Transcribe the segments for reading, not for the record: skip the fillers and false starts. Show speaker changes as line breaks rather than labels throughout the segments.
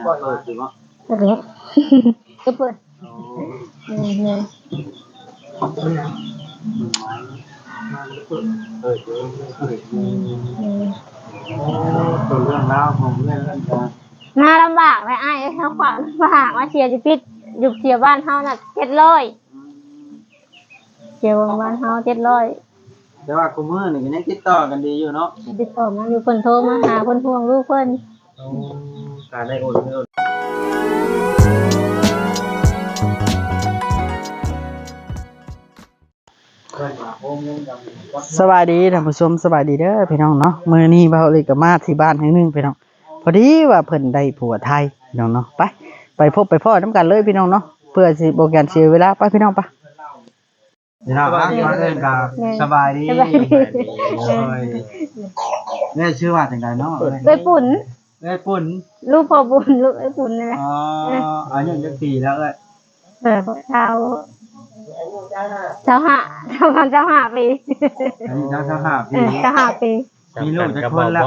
เปิดอยู่บ่
เปิดก็เปิดเนี่ย
ตัวเรื่องราวของเรื่อง
น่าลำบากเลยไอ้เขาขวางลำบากมาเชียร์จิพิษอยู่เชียร์บ้านเขาน่ะ700เชียร์บ้านเขา700
แต่ว่าคุมื้อนี่ก็ยังติดต่อกันดีอยู่เนาะ
ติดต่อมาอยู่เพิ่นโทรมาหาเพิ่นห่วงลูกเพิ่น
การได้โอนสบายดีท่านผู้ชมสบายดีเด้อพี่น้องเนาะมื้อนี้เบาเลยก็มาที่บ้านแห่งนึงพี่น้องพอดีว่าเพิ่นได้ผัวไทยพี่น้องเนาะไปพบไปพ้อนํกันเลยพี่น้องเนาะเพื่อสิบ่การเสียเวลาไปพี่น้องปะพี่น้องครับมาเอิ้นก็สบายดีเนี่ยชื่อว่าจังไดเนาะ
เอ้ยปุ่นลูกพ่อบุญลูกไอ้ปุ่นนี่แหละ
อ๋ออายุจักปีแล้วเอ้ย
เช้า5 ปี
อายุ25 ปี
5 ปี
มีลูกจักคนแล้ว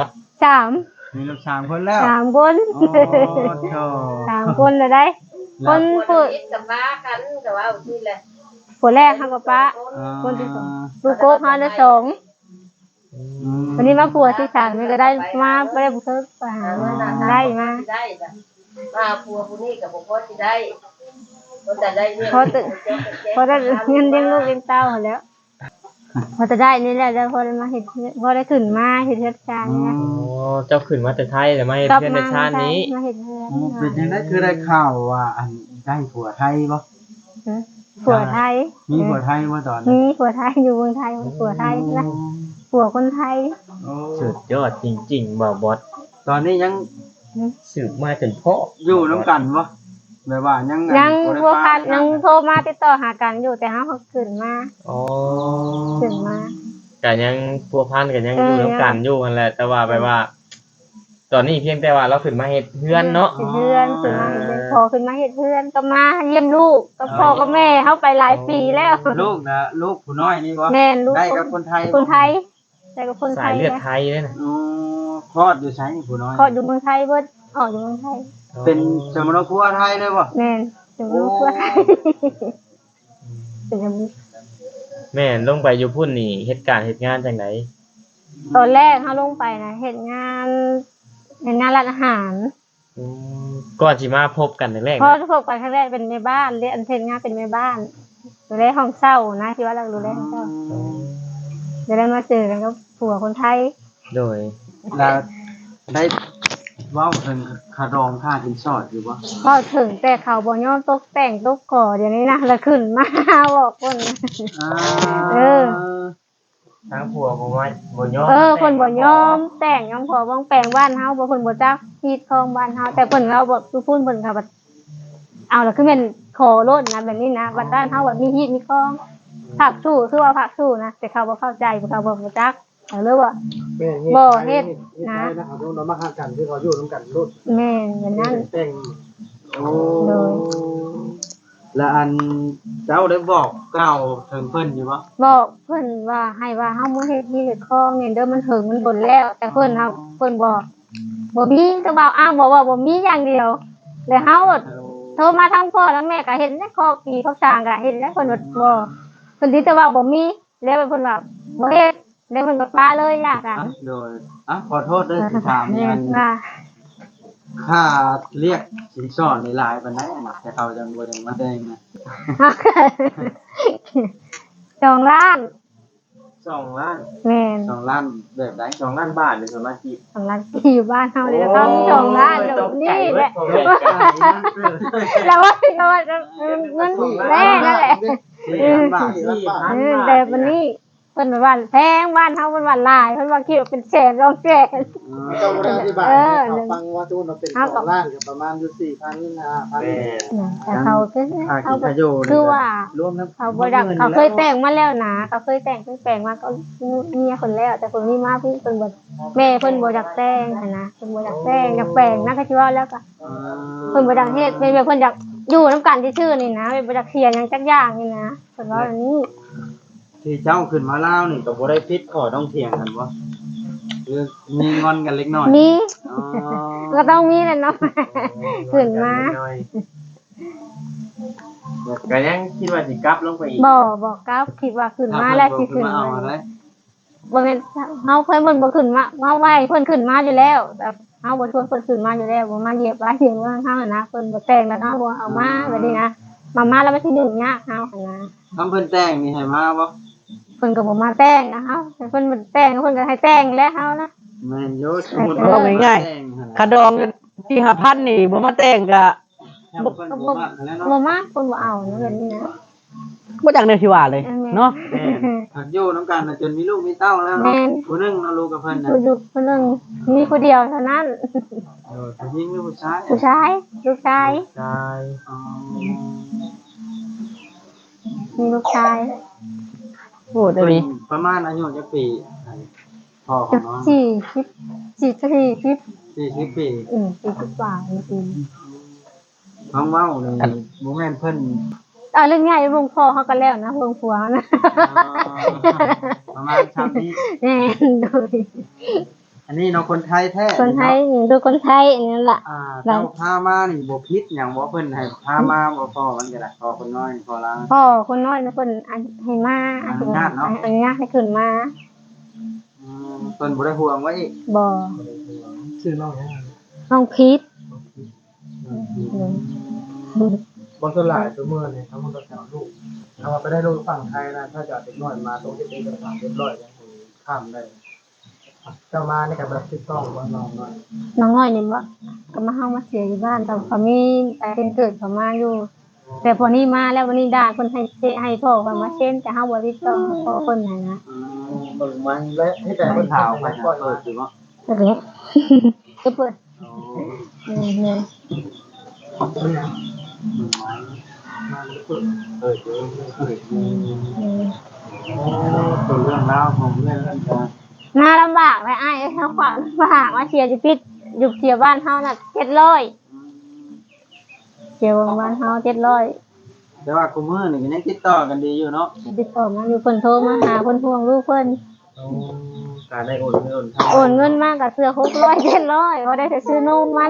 3
มีลูก3คนแล้ว
3 คน
โอ้โธ่
3 คนเลยได้คนผู้
กับป้ากันแต่ว่าที่แหละ
ผู้แรกเฮากับป้าคนที่2ลูกโก้เฮาได้2วันนี้มาผัวที่3นี่ก็ได้มาบ่ได้บ่เคยไปหาได้มา
ผัวผู้นี้กับบ่พอสิได้แต่ได้
พอได้เงินเลี้ยงลูกเลี้ยงเต้าแล้วพอจะได้นี่แหละแล้วพอได้มาเฮ็ดพอได้ขึ้นมาเฮ็ดเฮ็ดการนี่นะ
เจ้าขึ้นมาแต่ไทยแต่มาเฮ็ดเพื่อนในชาตินี้
มาเฮ็ด
เป็นจังได๋คือได้ข่าวว่าอันได้ผัวไทยบ่
ผัวไทย
มีผัวไทยบ่ตอน
มีผัวไทยอยู่เมืองไทยผัวไทยนะผัวคนไทย
สุดยอดจริงๆบ่บอส
ตอนนี้ยัง
สืบมาจนพ่อ
อยู่นำกันบ่แบบว่ายัง
บ่คันยังโทรมาติดต่อหากันอยู่แต่เฮาขึ้นมาขึ้นมา
ก็ยังพัวพันกันยังอยู่นำกันอยู่นั่นแหละแต่ว่าแบบว่าตอนนี้เพียงแต่ว่าเราขึ้นมาเฮ็ดเฮือนเนาะ
เฮือนขึ้นมาพอขึ้นมาเฮ็ดเฮือนก็มาเยี่ยมลูกกับพ่อกับแม่เฮาไปหลายปีแล้ว
ลูกนะลูกผู้น้อยนี่บ่
แม่นลูก
ได้กับคนไทย
ได้กับคนไทย
สายเลือดไทยเด้น่ะ
คลอดอยู่ไสนี่ผู้น้อย
คลอดอยู่เมืองไทยเบิดออกอยู่เมืองไทย
เป็นสมรภูมิไทยเลยบ่
แม่นสมรภูมิไทยเป็นจังซี่
แม่นลงไปอยู่พุ่นนี่เฮ็ดการเฮ็ดงานจังได๋
ตอนแรกเฮาลงไปนะเฮ็ดงานร้านอาหาร
ก่อนสิมาพบกันแรก
พอพบกันครั้งแรกเป็นแม่บ้านเรียนเทนงานเป็นแม่บ้านดูแลห้องเช่านะที่ว่าเราดูแลห้องเช่าจะได้มาเจอกันกับผัวคนไทย
โดย
แล้วได้ว้าวถึงค่ารองค่าสินสอดอยู่บ่
ก็ถึงแต่เขาบ่ยอมตกแต่งตกก่อเดี๋ยวนี้นะแล้วขึ้นมาบอกคน
ทางผัวบ่ยอม
คนบ่ยอมแต่งยอมขอบ่แปลงบ้านเฮาบ่เพิ่นบ่จักฮีดคองบ้านเฮาแต่เพิ่นเราบ่พูดเพิ่นค่ะบัดเอาล่ะคือแม่นขอโลดนะแบบนี้นะบัดบ้านเฮาแบบมีฮีดมีคองผักสู้คือว่าผักสู้นะแต่เขาบ่เข้าใจเขาบ่จักเลยว่าบ่เฮ็ดนะ
เอาลงมาหากันคือเขาอยู่นำกันโลด
แม่นอย่างนั้น
แต่งโอ้แล้วอันเจ้าได้บอกกล่าวถึงเพิ่นอยู่บ่
บอกเพิ่นว่าให้ว่าเฮาบ่เฮ็ดฮีดคองนี่เด้อมันถึงมันบนแล้วแต่เพิ่นเฮาเพิ่นบอกบ่มีก็บอกอ้าวบอกว่าบ่มีอย่างเดียวแล้วเฮาโทรมาทางพ่อทางแม่ก็เห็นแล้วข้อปีข้อสร้างก็เห็นแล้วเพิ่นบ่เพิ่นสิแต่ว่าบ่มีแล้วเพิ่นว่าบ่เฮ็ดแล้วเพิ่นก็ปาเลยล่ะกัน
โดยขอโทษด้วยที่ถามอย่างค่าเรียกสินสอดในหลายปานใดน่ะแต่เขาจังบ่ได้มาแจ้งนะ
2 ล้าน
2 ล้าน
แม่น
2 ล้านแบบใด
2 ล้านบาทหรือ2 ล้านกีบ
2 ล้านกีบอยู่บ้านเฮานี่ก็2 ล้านนี่แหละแล้วว่าเงินแม่นั่นแหละแต่วันนี้เพิ่นว่าแพงบ้านเฮาเพิ่นว่าหลายเพิ่นว่าคิดว่าเป็นแสน2 แสน
ต้องบ่ได้อธิบายฟังว่าตู้มันเป็น2 ล้านก็ประมาณอยู่ 4,000 5,000
แต่เขาคือว่ารวมทั้งเขาบ่ดักเขาเคยแต่งมาแล้วนะเขาเคยแต่งมาก็เมียคนแล้วแต่คนนี้มาพี่เพิ่นบ่แม่เพิ่นบ่อยากแต่งนะเพิ่นบ่อยากแต่งอยากแปลงนะก็สิว่าแล้วก็เพิ่นบ่อยากเฮ็ดเพิ่นอยากอยู่นำกันซื่อๆนี่นะบ่อยากเสียหยังจักอย่างนี่นะเพิ่นว่าอันนี้
ที่เจ้าขึ้นมาลาวนี่ก็บ่ได้ผิดข้อต้องเถียงกันบ่คือมีงอนกันเล็กน้อย
มีก็ต้องมีแหละเนาะ ขึ้นมา
ก็ยังคิดว่าสิกลับลงไปอีก
บอกกราฟคิดว่าขึ้นมาแล้วสิขึ้นมาบ่แม่นเฮาเพิ่นบ่ขึ้นมาเฮาไว้เพิ่นขึ้นมาอยู่แล้วแต่เฮาบ่ชวนเพิ่นขึ้นมาอยู่แล้วบ่มาเหยียบว่าเห็นว่าเฮาน่ะนะเพิ่นบ่แต่งแล้วเฮาบ่เอามาแบบนี้นะมาแล้วมันสิดึงยากเฮาหั่นนะ
ทำเพิ่นแต่งนี่ให้มาบ่
เพิ่นก็บ่มาแต่งนะเฮาแต่เพิ่นบ่แต่งเพิ่นก็ให้แต่งแล้วเฮานะ
แม่นอยู่สมมุติ
เอาง่ายๆคาดองที่5,000นี่บ่มาแต่งก็
ๆเพิ่นบ่มักแล้วเนาะ
บ่มาเพิ่นบ่เอานะแบบนี้นะ
บ่จักแนวที่ว่าเลยเนาะ
หักอยู่นำกันจนมีลูกมีเต้าแล้วเนาะผู้นึงเนาะลูกกับเพิ่นน่ะ
อยู่คนนึงมีคนเดียวเท่านั้น
ผู้หญิงหรือผู้ชาย
ผู้ชายลูกชาย
ใช่
อ๋อ
มีลูกชาย
โอ้ตัวนี้
ประมาณอายุจักปีพ่อของน้อง
40
40ปี
40กว่าจริง
ท้องเว้านี่บ่แม่นเพิ่น
เรื่องง่ายลงพ่อเขาก็แล้วนะลงผัวนะ
ประมาณชาตินี้
แน่โดย
อันนี้เนาะคนไทยแท้
คนไทยดูคนไทยนี่แหละ
เจ้าพามานี่บ่ผิดหยังบ่เพิ่นให้พามาบ่พอมันก็ได้พอคนน้อยพอลา
พ่อคนน้อยนะคนให้มาอนุญาตให้ขึ้นมา
เพิ่นบ่ได้ห่วงไว้อีก
บ่
ชื่อน้องหยัง
น้องพีท
บางส่วนหลายตัวเมื่อนี่ทั้งหมดก็ลูกถ้าว่าไปได้ลูกฝั่งไทยนะถ้าจะเอาเด็กน้อยมาตรงที่เป็นกระถางเรียบร้อยแล้วข้ามได้เจ้ามานี่ก็แบบถูกต้องว่าน้องน้อย
น้องน้อยนี่บ่ก็มาเฮามาเสียอยู่บ้านแต่เขามีแต่เป็นเกิดเขามาอยู่ แต่พอนี้มาแล้ววันนี้ด่าคนให้พ่อเขามาเช่นแต่เฮาบ่ได้ต้องพ่อคนไหนนะ
เบิ่งมันและให้แต่คนถาวไปก็สิว่า
ก็เลยก็เปิดเนี่ย
ตัวเรื่องราวของเรื่องนั้นก็
น่าลำบากเลยไอ้เฮาขวางลำบากว่าเชียร์จะปิดอยู่เชียร์บ้านเฮาน่ะ700เชียร์บ้านเฮา700
แต่ว่าคุมื้อนี่ก็ยังติดต่อกันดีอยู่เนาะ
ติดต่อมาอยู่เพิ่นโทรมาหาเพิ่นห่วงลูกเพิ่น
การได้โอนเงิน
โอนเงินมากับเสื้อ600 700บ่ได้แต่ซื้อนมมัน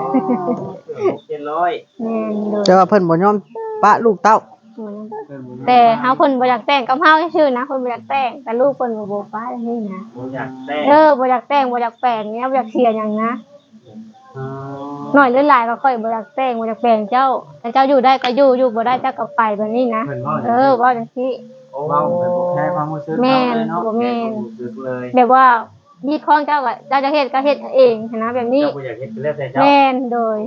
700
แม่นโดย
แต่ว่าเพิ่นบ่ยอมปะลูกเต้า
แต่เฮาเพิ่นบ่อยากแต่งกับเฮาซื่อๆนะเพิ่นบ่อยากแต่งแต่ลูกเพิ่นบ่ฟ้าอย่างนี้นะ
ผมอยากได้
บ่อยากแต่งบ่อยากแปลงเนี่ยบ่อยากเสียหยังนะน้อยหรือหลายก็ค่อยบ่อยากแต่งบ่อยากแปลงเจ้าแต่เจ้าอยู่ได้ก็อยู่บ่ได้เจ้าก็ไปแบบนี้นะ
เพิ่นว่า
ว่าจังซี่
เว้าไปบ่แค่ความรู้สึก
แม่น
เนาะ
บ่แม่น
รู้สึกเลย
แบบว่ามีของเจ้าก็เจ้าจะเฮ็ดก็เฮ็ดเองนะแบบนี้
เจ้าบ่อยากเฮ็ดเป็นแล้วแต่เจ้า
แม่นโดย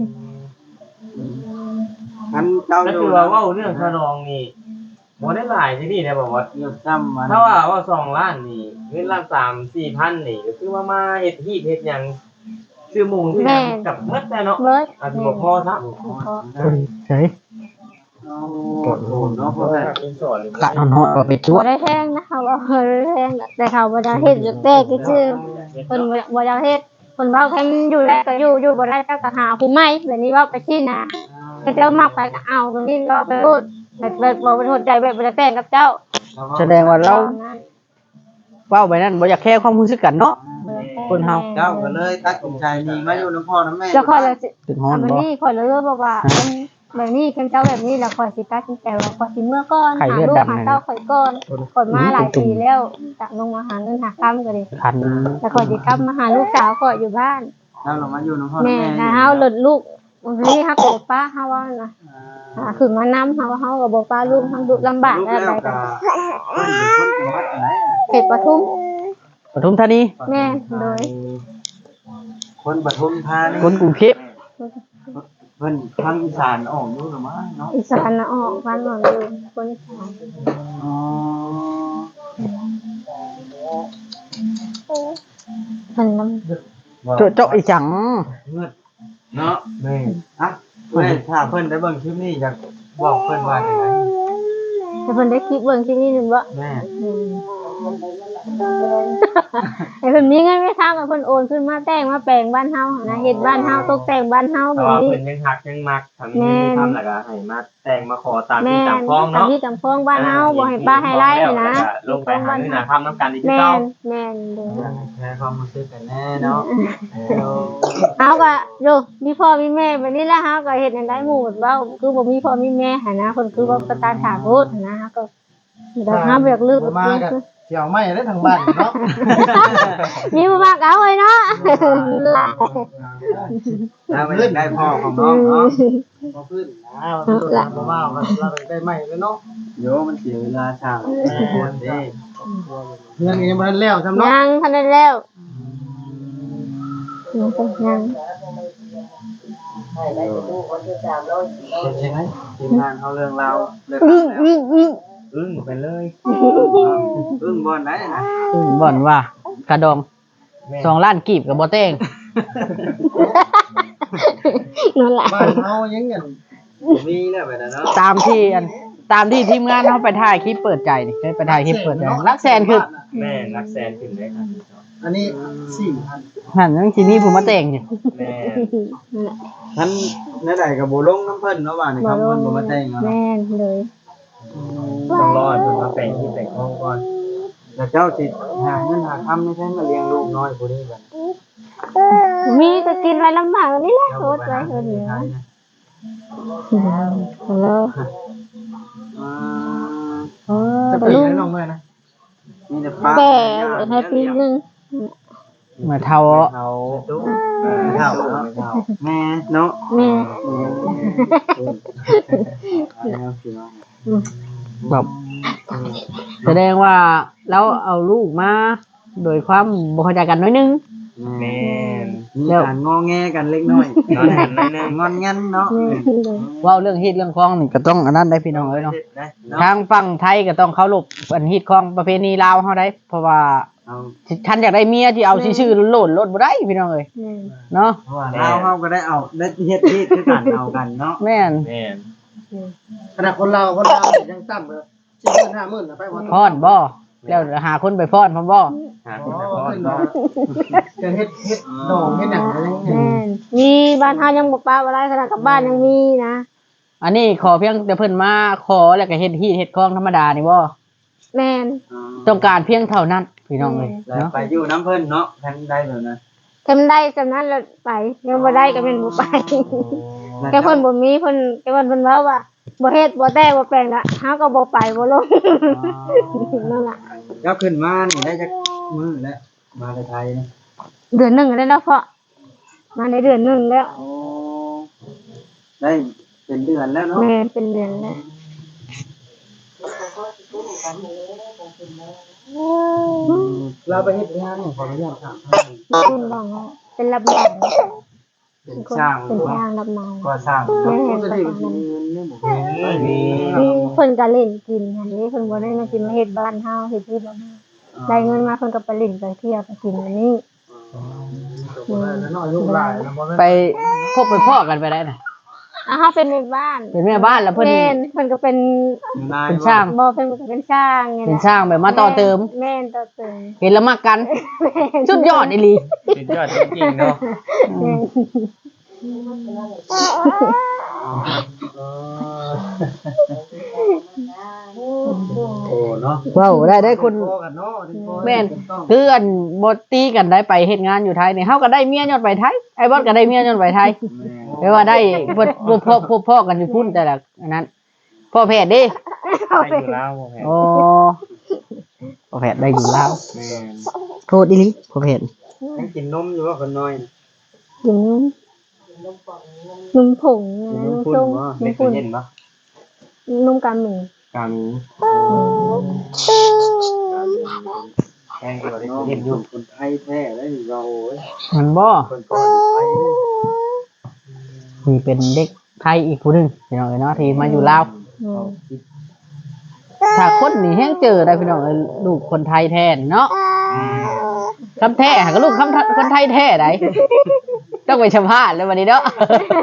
งั้นเจ้า
ก็
อยู่
คือว่าเว้าเรื่องขนองนี่บ่ได้หลายที่นี่นะบอกว่า
เรื่องซ้ำมัน
ถ้าว่า2ล้านนี่เงินละ3-4 พันนี่ก็คือว่ามาเฮ็ดฮีดเฮ็ดหยังซื้อหมูซื้อหยังกับหมดแต่เนาะ
เบิด
อาจสิบ่พอซะ
เฉย
กดโอนเนาะเพราะว่า
เป็นสอนเลย
กะนอนฮอดว่าไปจั่ว
บ่ได้แพงนะคะว่าบ่ได้แพงแต่เขาบ่ได้เฮ็ดอยู่แต่ก็คือเพิ่นบ่อยากเฮ็ดเพิ่นเว้าแค่อยู่แล้วก็อยู่บ่ได้ก็หาผู้ใหม่แบบนี้เว้าไปที่น่ะเจ้ามักไปก็เอาตรงนี้ก็ไปพูดแบบบ่เป็นหัวใจแบบบ่ได้แต่งกับเจ้า
แสดงว่าเราเว้าไปนั่นบ่อยากแค่ความรู้สึกกันเนาะ คนเฮา
เจ้าก็เลยตัดสินใจนี่มาอยู่น้ำพ่อน้ำแม่
แล้วค่อยเลยสิ
ถึงฮ้อน
แบบ
บ่
นี้ค่อยเลยบอกว่าแบบนี้เจ้าแบบนี้แล้วค่อยสิตัดสินใจว่าค่อยสิเมื่อก่อนหาลูกหาเต้าค่อยก่อนค่อยมาหลายปีแล้วจากลงมาหาเงินหาค้ำก็ดิ
คัน
แล้วค่อยสิกลับมาหาลูกสาวค่อยอยู่บ้าน
แล้วเรามาอยู่น้ำพ่อ
แม่
น้ำแม่
นะเฮาหลุดลูกวันนี้ฮักกับป้าเฮาว่านะคือมานำเฮาก็บ่ป้าลูกทั้งดุลำบาก
ลูก
อะไร
แล้ว
กั
ก็
น
คนจังหวัดไหน
เขตปทุม
ปทุมธานี
แม่โดย
คนปทุมธานี
คนกรุงเทพ
เพิ่นทางอีสานออกอยู่หรือมั้งเนาะ
อีสานน่ะออกบ้านหนองอยู่คนอีสาน
อ๋อ
มันนำ
เจาะอีจัง
เงือดเนาะแม่อ่ะเพิ่นถ้าเพิ่นได้เบิ่งคลิปนี้อยากบอกเพิ่นว่าจังได๋
แต่เพิ่นได้คลิปเบิ่งคลิปนี้นึงบ่
แม่
ไอ้เพิ่นมีเงินไม่ทำกับเพิ่นโอนขึ้นมาแต่งมาแปลงบ้านเฮานะเฮ็ดบ้านเฮาตกแต่งบ้านเฮา
แต่
แบบ
ว่า
นี้
เพิ่นยังฮักยังมักทำนี่ทำแล้วก็ให้มาแต่งมาขอตามที่ตามพ้อง
ตาม
เนาะ
ที่ตามพ้องบ้านเฮาบ่ให้ป้าให้ไร่นะ
ลงไปหาเงินหาทำน้ำกันอีก
แม่
เจ้าน
แม่นเด้อ
แค่ความรู้สึกกันแน่เนาะ
เฮาก็โยมีพ่อมีแม่แบบนี้แล้วเฮาก็เฮ็ดให้ได้หมู่เว้าคือบ่มีพ่อมีแม่หั่นนะเพิ่นคือว่าประทานถาโทษหั่นนะเฮาก็เดี๋ยวเฮาบ่อยากลืม
มากันเกี่ยวไม่ได้ทางบ้านเนาะ
มีบ่มากเอาเลยเนาะ
แล้วไม่ได้พ่อของน้องเนาะพอพื้นนะเราว่าเราได้ไม่แล้วเนาะโยมันเสียเวลาทางคนดีเงินยังบ่ทันแล้วทำเนาะ
ยังทันได้แล้วยัง
ให้ได้ดูคนที่300
ใช่ไหมทีมงานเขาเรื่องเราเรื่อง
อึ้งไปเลย
บอลไหนนะ
บ่อนว่ากระดอง2 ล้านกีบกับบ่เต้ง
นั่นแหละ
บ้านเขายังเงินมีแล้วแบบนั้นเนาะ
ตามที่ทีมงานเฮาไปถ่ายคลิปเปิดใจนี่เคยไปถ่ายคลิปเปิดใจลักแสนคือ
แม่รักแสนขึ้นเลยครับ
อันนี้4,000
นั่นยังสิมีผู้มาแต่งอยู่
แม่
ท่านนั่นใดกับโบลงน้ำเพิ่นเนาะว่านี่ครับเพิ่นบ่มาแต่งเนาะ
แม่นเลย
ต้องรอให้เพิ่นมาแต่งที่แต่งห้องก่อน
แล้วเจ้าสิหาเงินหาคำไม่ใช่มาเลี้ยงลูกน้อยผู้นี้บัด
มีก็กินไว้ลำบากนี่แหละโคตรไว้คนเดียวแล้ว
จะปีแล้วน้องเมื่อนะมีแต่ป้า
แต่ให้ปีนึง
เมื่อเท่า
เขาตุ๊กเท่าแม่เนาะ
แม่
แบบแสดงว่าเราเอาลูกมาโดยความบ่เข้าใจกันน้อยนึง
แม่น
มีการงอแงกันเล็กน้อย
นอนหันหน่อยนึง
งอนงันเนาะ
แม่เลย
เว้าเรื่องฮีตเรื่องคล้องนี่ก็ต้องอันนั้นได้พี่น้องเอ้ยเนาะทางฝั่งไทยก็ต้องเคารพอันฮีตคล้องประเพณีลาวเฮาได้ เพราะว่า
เอา
ท่านอยากได้เมียที่เอาชื่อๆโลดรถบ่ได้พี่น้องเอ้ย
แม่
เนาะ
เพราะว่าเราเขาก็ได้เอาได้เฮ็ดที่คือกันเอากันเนาะ
แม่น
แม่น
ขนาดคนเรายังต่ำเลย40,000 50,000นะไปบ่
พรบ่แล้วหาคนไปพรพร้อมบ่
หาคนไปพอด
จะเฮ็ดดอกเฮ็ดหยังอะไรอย่างเงี้ย
แม่มีบ้านเฮายังบ่ป้าบ่ได้ขนาดกับบ้านยังมีนะ
อันนี้ขอเพียงแต่เพิ่นมาขอแล้วก็เฮ็ดฮีตเฮ็ดคล้องธรรมดานี่บ่
แม่น
ต้องการเพียงเท่านั้นพี่น้องเอ้ย
แล้ว
เนาะ
ไปอยู่น้ำเพิ่นเนาะทันได้แบบนั้น
ทำได้จำนั้นแล้วไปยังบ่ได้ก็เป็นบ่ไปแค่เพิ่นบ่มีเพิ่นเว้าว่าบ่เฮ็ดบ่แต่บ่แปลงละเฮาก็บ่ไปบ่ลงนั่นล่ะ
ก็ขึ้นมานี่ได้จักมื้อแล้วมาไทยนี่
เดือนหนึงแล้วเนาะเพาะมาในเดือนหนึงแล้ว
โอ้ได้เป็นเดือนแล้วเนาะ
แม่เป็นเดือนแล้ว
เราไปเฮ็ดงานนี่ขออนุญาตครับ
คุณบอกว่าเป็นรับเหมา
เป็นช่าง
เป็น
เนาะ
ช่างรับเหมา
ก็สร้าง
แม่
ก็ได้เงินนี่บ่มี
มีคนก็เล่นกินอันนี้เพิ่นบ่ได้มากินมาเฮ็ดบ้านเฮาเฮ็ดที่บ้านเฮาได้เงินมาเพิ่นก็ไปเล่นไปเที่ยวไปกินอันนี้
น้อยลูกหลานแล้วบ่แม่น
ไปพบไปพ่อกันไปได้น่ะ
เฮาเป็นแม่บ้าน
เป็นแม่บ้านแล้วเพิ่น
แม่นเพิ่นก็เป็น
นาย
เป็นช่าง
บ่เพิ่นก็เป็นช่างไง
เป็นช่างแบบมาต่อเติม
แม่นต่อเติม
เห็นแล้วมักกันสุดยอดอีหลี
สุดยอดจริงๆเนาะ
แม่น
โอ้เนาะ
ว้าวได้คน
พอกันเนาะ
แม่นคืออันบ่ตีกันได้ไปเฮ็ดงานอยู่ไทยนี่เฮาก็ได้เมียย้อนไปไทยไอ้บอสก็ได้เมียย้อนไปไทยแปลว่าได้พ่อกันอยู่พุ่นแต่ละอันนั้นพ่อแพทย์เด้
ให้อยู่แล้วแม่
โอ้พ่อแพทย์ได้อยู่แล้ว
แม่น
โทษอีหลีพ่อแพทย์
ยังกินนมอยู่ว่าคนน้อย
กินนมผงนะนมส้มน
ไม่
ม
เค
ปุ่
ย
น
เห็นปะ
นมกาหมี
กามีแข่งกันได้เห็นอยู่คนไทยแท้ได้เราเว้ย
มันบ่
คนก่อนไทย
นี่เป็นเด็กไทยอีกผู้หนึงพี่น้องเอ้ยเนาะที่มาอยู่ลาว
อืม
ถ้าคนนี่แฮงเจอได้พี่น้องเอ้ยลูกคนไทยแท้นี่เนาะคำแท้หาก็ลูกคนไทยแท้ได้ต้องไปสัมภาษณ์เลยวันนี้เนาะ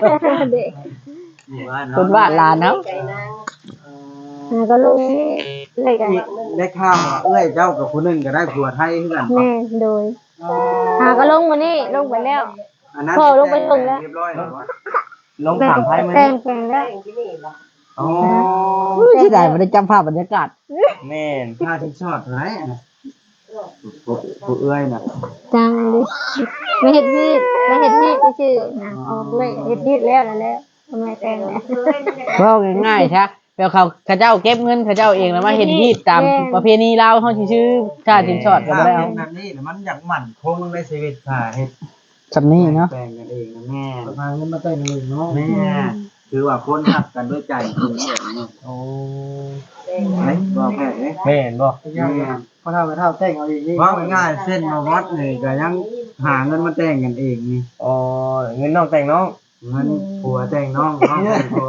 เด็ก
คนบ้านลานเนาะ
ใจนาง
ก็ลูกเลยกัน
ได้ข่าวว่าเอ้ยเจ้ากับผู้หนึงก็ได้ผัวไทยคือกัน
แม่โดยก็ลงมานี่ลงไปแล้ว
อันนั้น
พ่อลงไปส่งแล้ว
เรียบร้อยแล้ววะ
ลงถามไพ่มา
แต่
นี่
งแปลงแล้ว
ที่นี่ล่ะ
อ๋อ
ที่ใดบ่ได้จำภาพบรรยากาศ
แม่น
ผ้าที่ชอดไหนน่ะผู้เอ้ยน่ะ
จังเลยไม่เห็ดพีดไม่เห็ดพีดชื่อนะออกเลยเห็ดพีดแล้วนั่นแหละทำไมแต่งแล้ว
เว้าง่ายๆใช่แล้วเขาเจ้าเก็บเงินเขาเจ้าเองแล้วมาเฮ็ดฮีดตามประเพณีลาวเฮาสิชื่อชาติสินสอดก็บ่ได้เอา
แบบนี้แล้วมันอยากหมั่นคงในชีวิตค่ะเฮ็ด
สำนี้เนาะ
แปลงกันเองนะแม่
พาเงินมาแต่งกันเลยเนาะ
แม่คือว่าคนหักกันด้วยใจจริงๆแบบนี้
โอ้
ไหนบอกแค่นี้
แม่นบ่
พอเท่ากับเท่าแต่งเอาอีกนี่
ว่าง่ายๆเส้นมาวัดนี่ก็ยังหาเงินมาแต่งกันเองนี่
อ๋อเงินน้องแต่งน้อง
เงินผัวแต่งน้องน้องแต่งผัว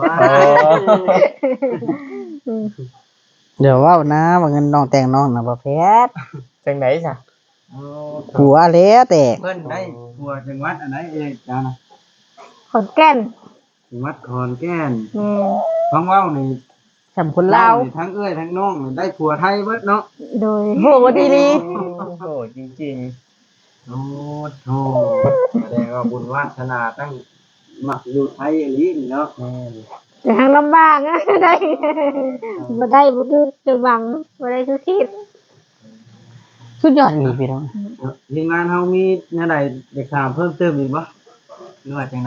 เดี๋ยวเว้านะว่าเงินน้องแต่งน้องน่ะบ่แพทย์
จังได๋ซะ
ผัวแล้วแต่
เพิ่นได้ผัวจังหวัดอันไหนเองจ้านะ
ขอนแก่น
จังหวัดขอนแก่น
แม่
ฟังเว้านี่
สำคนลาว
นี่ทั้งเอ้ยทั้งน้องนี่ได้ผัวไทยเบิดเนาะ
โดย
โหดีลี
โอ้จริง
โอ้โหแสดงว่าบุญวาสนาตั้งมักอยู่ไทยอีหลีนี่เนาะ
ๆแม่น
แต่ทางลำบากนะได้บ่ได้บ่คือจะหวังบ่ได้คือคิด
สุดยอดอีหลีพี่น้อง
ทีมงานเฮามีแนวใดเด็กถามเพิ่มเติมอีกบ่หรือว่าจังได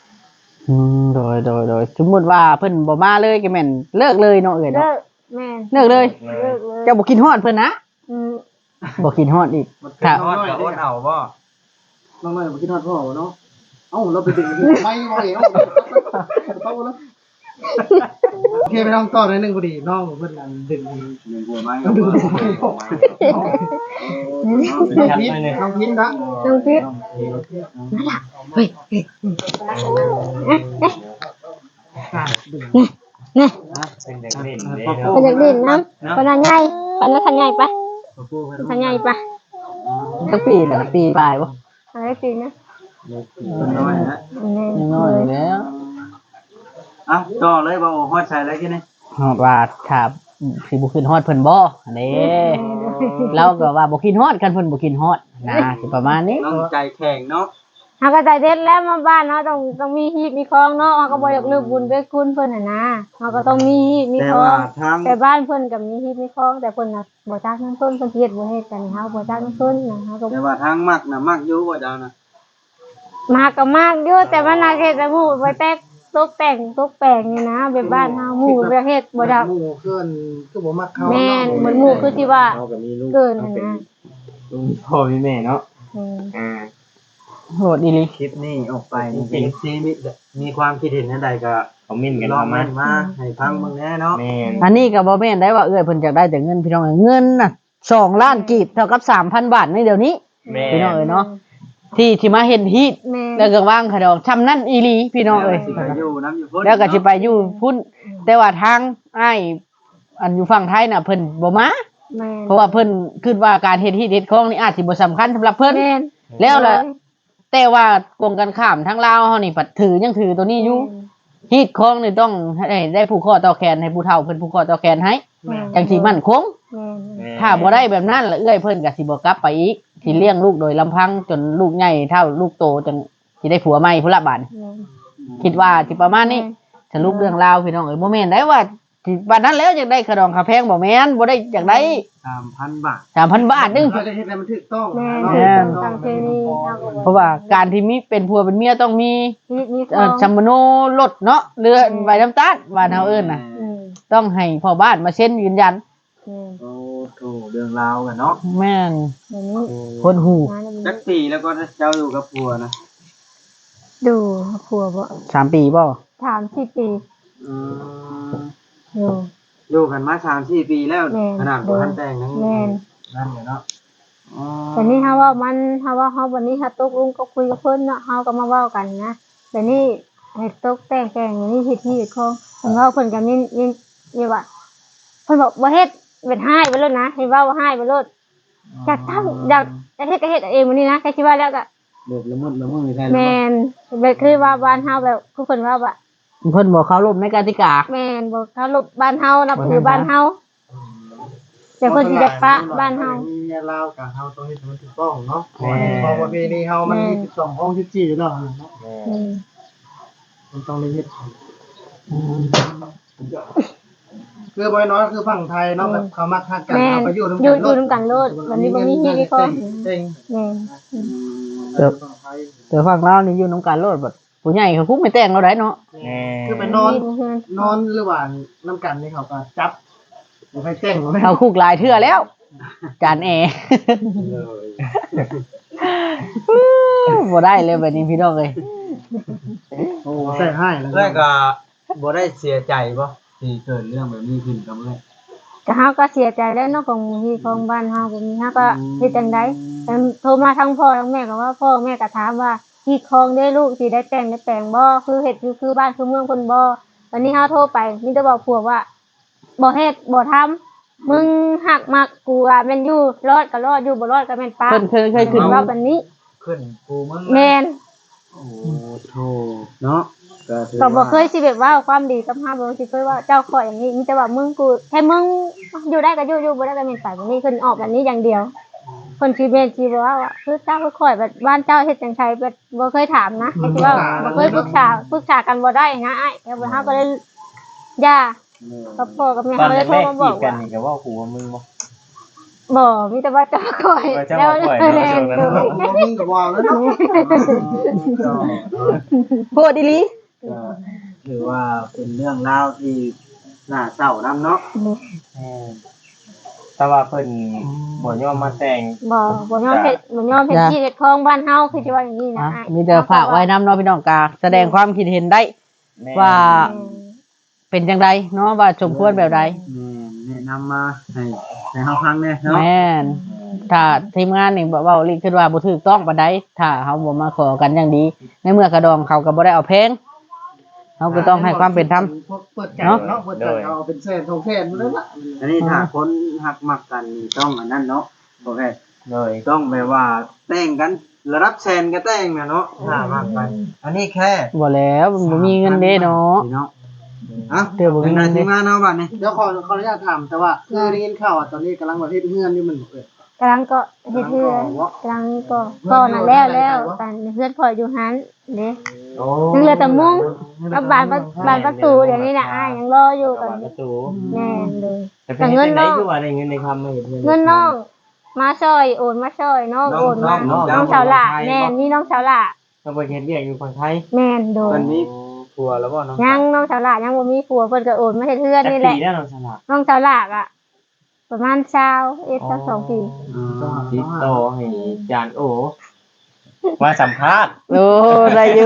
โดยสมมุติว่าเพิ่นบ่มาเลยก็แม่นเลิกเลยเนาะเอ้ย
เลิ
เนาะ
กแม่
เลิกเลย
เลิกเลย
เจ้าบ่กินฮอดเพิ่นนะ
อืม
บ่กินฮอดอีก
มัน
ครับ
น้อยก็อดเอาบ่
น้องน้อยบ่คิดฮอดพ่อเนาะเอ้าเราไปดึงไม่บ่เองเอาแล้วโอเคไปน้องต่อหน่อยนึงพอดีน้องเพิ่นนั่นดึง
หนึ่งหัวไม้
น้องพิษ
น้
น้องพิษนะ
น้องพิษ
เป็นเด็กเล่นเด้เนาะ
เป็นจากดินน้ำปนใหญ่ปนทันใหญ่ปะทันใหญ่ปะ
สักปีน่ะปีปลายบ่
อะไรจริงนะ
น้อยนะ
ยังน้อยอยู่แล้ว
อ่ะต่อเลยบ่ฮอดใส่แล้วกินนี่
ฮอดว่าครับสิบ่ขึ้นฮอดเพิ่นบ่อันนี้เราก็ว่าบ่กินฮอดกันเพิ่นบ่กินฮอดนะสิประมาณนี้
น้องใจแข็งเนาะ
เขาก็ใจเด็ดแล้วมาบ้านเนาะต้องมีฮีบมีคลองเนาะเขาก็บ่อยากลืมบุญด้วยคุณเพิ่นน่ะนะเขาก็ต้องมีฮีบมี
แต่
คลอ
ว่าง ทาง
แต่บ้านเพิ่นก็มีฮีบมีคลองแต่เพิ่นน่ะบ่จักนำเพิ่นเฮ็ดบ่เฮ็ดกันเฮาบ่จักนำเพิ่นนะเฮาก็
แต่ว่าทางมักน่ะมักอยู่บ่เจ้านะ
มากก็มากอยู่แต่มันน่าเฮ็ดแต่หมู่ไว้แต่ตกแต่งนี่นะแบบบ้านเฮาหมู่ประเทศบ่ได้
หมู่เกินคือบ่มักเขา
แม่นเหมือนหมู่คือที่ว่า
เราก็มีลูก
เกินน่ะนะ
ลูกมีพ่อมีแม่เนาะ
อืม
อ่า
โหดอีหลี
คลิปนี้ออกไปนี่ซีมีความคิดเห็นจังไดก็
เขามิ่นกัน
ลอง
เข้ามา
มาให้ฟังเบิ่งแหน่เนาะ
แม่น
อันนี้ก็บ่แม่นได้ว่าเอ้ยเพิ่นอยากได้แต่เงินพี่น้องเอ้ยเงินน่ะ2ล้านกีบเท่ากับ 3,000 บาทในเดี๋ยวนี้
แม่
พี่น้องเอ้ยเนาะที่มาเฮ็ดฮีต
แม่
แล้วก็วางขะดอกชำนั่นอีหลีพี่น้องเอ้ย
สิไปอยู่น้ำอยู่พุ่น
แล้วก็สิไปอยู่พุ่นแต่ว่าทางอ้ายอันอยู่ฝั่งไทยน่ะเพิ่นบ่มา
แม่
เพราะว่าเพิ่นคิดว่าการเฮ็ดฮีตเฮ็ดของนี่อาจสิบ่สำคัญสำหรับเพิ่น
แม่น
แล้วล่ะแต่ว่ากงกันข้ามทั้งลาวเฮานี่ปัดยังถือตัวนี้อยู่ฮีตของนี่ต้องให้ได้ผู้ข้อต่อแขนให้ผู้เฒ่าเพิ่นผู้ข้อต่อแขนให้จังสิมั่นคง
แม่น
ถ้าบ่ได้แบบนั้นละเอื้อยเพิ่นก็สิบ่กลับไปอีกสิเลี้ยงลูกโดยลำพังจนลูกใหญ่เท่าลูกโตจนสิได้ผัวใหม่พุ่นละบาด
แม่น
คิดว่าสิประมาณนี้สรุปเรื่องราวพี่น้องเอ้ยบ่แม่นได้ว่าสิบัดนั้นแล้วอยากได้ขนมข้าวแพงบ่แม่นบ่ได้อยากได้
3,000 บาท
3,000 บาทนึง
เขาจะเฮ็ดให้มันถูกต้อง
แม่
แม่น
ตามเพณีเฮาก็บ่
เพราะว่าการที่มีเป็นผัวเป็นเมียต้องมี
มีคลอง
ชัมโนรถเนาะเรือใบน้ำตาลบ้านเฮาเอิ้นน่ะ
อืม
ต้องให้พ่อบ้านมาเซ็นยืนยัน
อืม
โอ้โหเรื่องราวกันเนาะ
แม่น
เดี๋ยวนี้
คนหู
งานแล้ว
จักปีแล้วก็เจ้าอยู่กับผัวนะ
ดูผัวบ่
3 ปีบ่
3-4 ปี
อืม
อยู่
อยู่กันมา3-4 ปีแล้ว
แม่น
ขนาดบ่ทันแต่งยัง
แม่น
นั่นอยู่เนาะอ๋อ
แต่นี่เฮาว่าเฮาวันนี้เฮาตกลงก็คุยกับเพิ่นเนาะเฮาก็มาเว้ากันนะแต่นี่ให้ตกแต่งอย่างนี้เฮ็ดที่เฮ็ดของเพิ่นเว้าเพิ่นก็นี่ว่าเพิ่นบอกบ่เฮ็ดเป็นให้ไปเลยนะให้เว้าว่าให้ไปเลยอยากทำอยากเฮ็ดก็เฮ็ดเองมื้อนี้นะใครคิดว่าแล้วก็
เบิดละมุดละมุดใช่
แม่นแบบคือว่าบ้านเฮาแบบคือเพิ่นว่าว่า
เพิ่นบ่เคารพในกติกา
แม่นบ่เขาลบบ้านเฮานับถือบ้านเฮาแต่เพิ่นสิได้ปะบ้านเฮา
มีเมียลาวกับเฮาต้องเฮ็ดให้มันถูกต้องเนาะเพราะว่าประเพณีเฮามันมี12ห้อง14อยู่แล้วเนาะ
อืม
มันต้องได้เฮ็ดคือบ่น้อยคือฝั่งไทยเนาะแบบเขามักฮักกัน
แม่น
เอาไปอยู่
อยู่นำกันโลดวันนี้บ่มีเฮ็ดอีกคน
เต็ง
แม่น
ฝั่งไทย
แต่ฝั่งลาวนี่อยู่นำกันโลดบัดผู้ใหญ่เขาคุกไม่แต่งเราได้เนาะ
คือไปนอนหรือว่าน้ำกันนี่เขาก็จับบ่ให้แต่งบ่ให้
เขาคุกหลายเทื่อแล้ว จานแอร์ บ่ได้เลยแบบนี้พี่น้องเอ้ย
โอ้ใส่ให้แล้ว
เอ้ยก็บ่ได้เสียใจบ่ที่เกิดเรื่องแบบนี้ขึ้นกับเอ้ย
แต่เฮาก็เสียใจแล้วเนาะของที่ของบ้านเฮาก็มีเฮาก็เฮ็ดจังได๋โทรมาทั้งพ่อทั้งแม่ก็ว่าพ่อแม่ก็ถามว่าที่คองได้ลูกสิได้แต่งได้แปลงบ่คือเฮ็ดอยู่คือบ้านคือเมืองเพิ่นบ่วันนี้เฮาโทรไปมีแต่บอกผัวว่าบ่เฮ็ดบ่ทำมึงหักมักกูอ่ะแม่นอยู่รอดก็รอดอยู่บ่รอดก็แม่นปะ
เพิ่นเคยขึ้น
ว่าวันนี้
ขึ้นกูมึง
แม่น
โอ้โธ่เนาะก็ถือ
ก็บ่
ว่า
เคยสิแบบว่าความดีกับเฮาบ่สิเคยว่าเจ้าขออย่างนี้มีแต่ว่ามึงกูแค่มึงอยู่ได้ก็อยู่บ่ได้ก็แม่นไปวันนี้เพิ่นออกแบบนี้อย่างเดียวเพิ่นสิแม่นสิบ่ว่าคือเจ้าคือข่อยแบบบ้านเจ้าเฮ็ดจังไสแบบบ่เคยถามนะไอ้ที่ว่าบ่เคยปรึกษากันบ่ได้นะอ้ายแล้วเฮาก็เลยย่ากับพ่อกับแม่
ตอน
เฮาเลยโทร
แรก
มา
ๆ
บ
จี
อก
บกัน
ว่า
นี่ก็ว่ากูว่ามึงบ่
บ่มีแต่ว่าเจ้าข่อย
ว่าเจ้าข่อยเนาะ
แล้ว
เจ้านั้น
บ่มีก็ว่าแล้วเนาะ
โพดอีหลี
ถือว่าเป็นเรื่องราวที่น่าเศร้านํเนาะแต่ว่าเพิ่นบ่ยอมมาแต่ง
บ่ยอมเฮ็ดที่เฮ็ดของบ้านเฮาคือสิว่าอย่างนี้นะอ้าย
มีแต่ฝากไว้นำเนาะพี่น้องกาแสดงความคิดเห็นได้ ว่าเป็นจังไดเนาะว่าสมควรแบบใด
แนะนำมาให้เฮาฟังแน่เนาะ
แม่นถ้าทีมงานนี่เว้าลิคิดว่าบ่ถูกต้องปานใดถ้าเฮาบ่มาขอกันอย่างดี ในเมื่อกระดองเขาก็บ่ได้เอาแพงเฮาก็ต้องให้ความเป็นธรรม
เปิดใจเนาะเปิดใจเอาเป็นแสน2แสนเลยล่ะ
อันนี้ถ้าคนหักมักกันนี่ต้องอันนั้นเนาะโอเค
เลย
ต้องแบบว่าแต่งกันระดับแสนก็แต่งนะเนาะถ้ามากไปอันนี้แค่
บ่แล้วมันบ่มีเงินเด้เนาะ
พี่เนาะอ่ะ
เดี๋ยวบ่มี
เป็น
เงิ
นาย
นเด้
ทีมงานเนาะบัดนี้
เดี๋ยวขออนุญาตถามแต่ว่าคือได้ยินข่าวว่าตอนนี้กำลังเฮ็ดเฮือนอยู่มันเปิด
กำลังก็เฮ็ดเฮือนกำลังก็นั่นแล้วแต่เฮือนข่อยอยู่หันเด้
โอ้
ยังเหลือแต่มุ้งกับบานประตูเดี๋ยวนี้น่ะอ้ายยังรออยู่ตอน
ป
นี้
ระตู
แม่นเลย
แต่เงินน้องคือว่าได้เงินในคำมาเฮ็ด
เงินน้องมาช่วยโอนมาช่วยน้องโอนมาน้องสาวหล่ะแม่นนี่น้องสาวหล่ะ
ต้องไปเฮ็ดเวียกอยู่ฝั่งไทย
แม่นโด
ต
น
อนนี้
ผัวแล้วบ่น้อง
ยังน้องสาวหล่ะยังบ่มีผัวเพิ่นก็โอนมาเฮ็ดเฮือนนี่แหละ
ปีแล้วน้องสลับ
น้องสาวหล่ะอ่ะประมาณ22ปี
ติดต่อให้จานโอมาสัมภาษณ์
โอ้ได้อยู่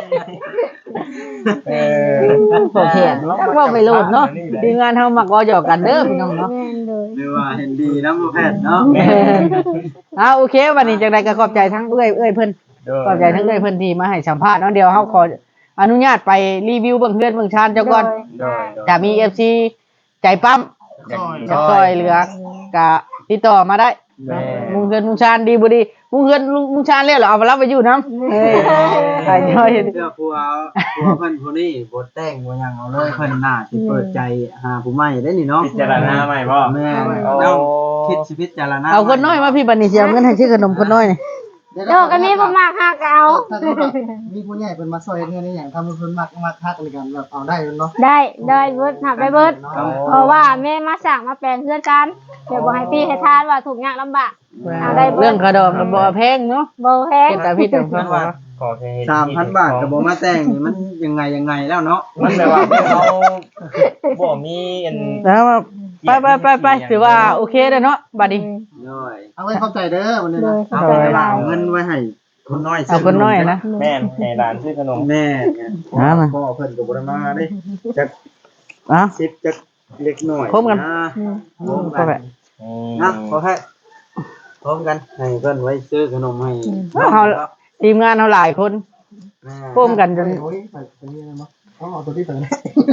โอเคเนาะเว้าไปโลดเนาะทีมงานเฮามักเว้าหยอกกันเด้อพี่น้องเนาะ
แม่นเลย
หรือว่าเห็นดีนะบ่แพทย์เนาะ
โอเควันนี้จังไดก็ขอบใจทั้งเอ้ยเพิ่นขอบใจทั้งเอ้ยเพิ่นที่มาให้สัมภาษณ์เนาะเดี๋ยวเฮาขออนุญาตไปรีวิวเบิ่งเฮือนเบิ่งชานเจ้าก่อน
โดย
ถ้ามี FC ใจปั๊มจะซอยเหลือก็ติดต่อมาได้ มุงเฮือนมุงชานดีบ่ดีมุงเฮือนมุงชานแล้วเหรอเอามารับไปอยู่นำเฮ้ยใส่ย่อย
เสื้อผัวเพิ่นผู้นี้บ่แต่งบ่หยังเอาเลยเพิ่นน่าสิเปิดใจหาผู้ใหม่ได้นี่เนาะ
พิจารณาใหม่บ่
แม่
โอ้
เนาะคิดชีวิตจารณา
เอาคนน้อยมาพี่บัดนี้สิเอาเงินให้ซื้อขนมคนน้อยนี่
โดก็มีบ่มากฮักเอา
ถ้าสมมุติว่ามีผู้ใหญ่เป็นมาซอยเฮือนนี่หยังทำให้เพิ่นมักฮักในกันแบบเอาได้เนาะ
ได้เบิดหับได้เบิดเพราะว่าแม่มาสั่งมาแปลงเพื่อนกันเดี๋ยวบ่ให้พี่ให้ทานว่าถูกยากลำบากเอาได้เบิ
เรื่อ
ด
งกระดองก็บ่แพงเนาะ
บ่แพง
เป็นแต่พี่แต่ฟังว่า
ขอแค่เห็น
3,000 บาทก็บ่มาแต่งนี่มันยังไงแล้วเนาะ
มันแบบว่าเขาบ่มีอัน
แล้วไปถือว่าโอเคแล้วเนาะบัดนี้
น้อย
เอาไว้เข้าใจเด้อวันนี้
เล
นะ
ย
เอา
เข้าใจ
ไป
หลาย
เอาเงินไว้ให้คนน้อย
เอาคนน้อยนะ
แม่นให้ร้านซื้อขนม
แม่
พ่อเพิ่นก็บ่ได้มาเด้
อ่ะ
10จักเล็กน้อย
พร้อมกัน
พร้อม
ก็
กัน
แบบ
นะขอให้พร้อมกันให้เพิ่นไว้ซื้อขนมให้
เฮาทีมงานเฮาหลายคนร่วมกันจน
โอ้ยไปนี่นะเนาะต้องเอาตัวที่เปิด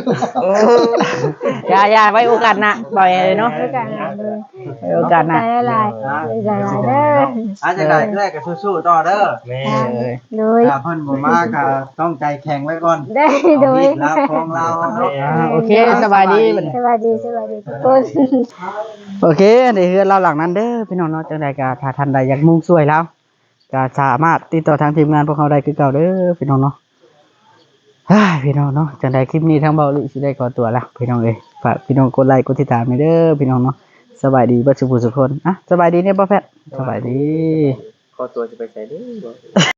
อย่าไว้โอกาสหน้าบ่อยเลยเนาะ
ด้วยกันเลย
ไว้โอกาสหน้า
ใจหลายใจหลายเด้อ
อาจจะได้แรกก็สู้ๆต่อเด้อ
แม่
โดย
ถ้าเพิ่นบ่มาก็ต้องใจแข็งไว้ก่อน
ได้
เอา
โดย
มีดลาวของเราเนาะ
โอเคสบายดีบัดนี้
สวัสดีทุกคน
โอเคในเฮือนเราหลังนั้นเด้อพี่น้องเนาะจังใดก็ถ้าท่านใดอยากมุ่งช่วยเราก็สามารถติดต่อทางทีมงานพวกเขาได้คือเก่าเด้อพี่น้องเนาะเฮ้ยพี่น้องเนาะจังใดคลิปนี้ทางเบาลิสิได้ขอตัวละพี่น้องเอ้ยฝากพี่น้องกดไลค์กดติดตามให้เด้อพี่น้องเนาะสบายดีเบ่สุขสุขคนอ่ะสบายดีเนี่ยบ่แพทย์สบายดี
ขอตัวจะไปใส่เด้อ